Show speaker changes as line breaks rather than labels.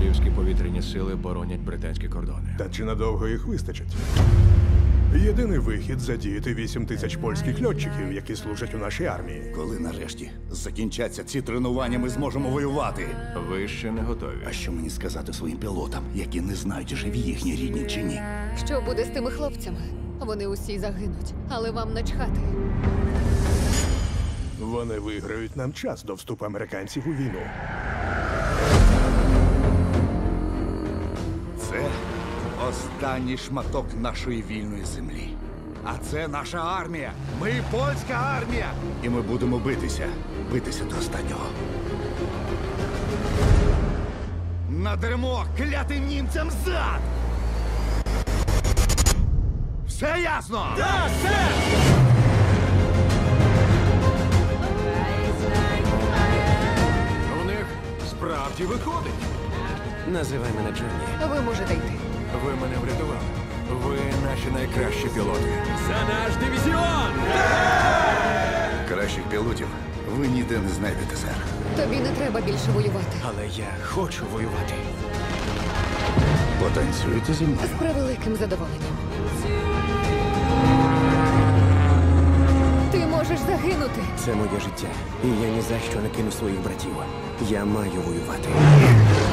Королівські повітряні сили боронять британські кордони.
Та чи надовго їх вистачить? Єдиний вихід — задіяти 8 тисяч польських льотчиків, які служать у нашій армії.
Коли нарешті закінчаться ці тренування, ми зможемо воювати.
Ви ще не готові.
А що мені сказати своїм пілотам, які не знають, живі їхні рідні чи ні?
Що буде з тими хлопцями? Вони усі загинуть, але вам начхати.
Вони виграють нам час до вступу американців у війну.
Це останній шматок нашої вільної землі. А це наша армія. Ми польська армія. І ми будемо битися до останнього. Надармо клятим німцям зад! Все ясно? Так, все!
У них справді виходить.
Називай мене Джонні.
Ви можете йти.
Ви мене врятували. Ви наші найкращі пілоти.
За наш дивізіон!
Кращих пілотів ви ніде не знайдете, сер.
Тобі не треба більше воювати.
Але я хочу воювати.
Потанцюєте зі мною?
З превеликим задоволенням. Ти можеш загинути.
Це моє життя. І я ні за що не кину своїх братів. Я маю воювати.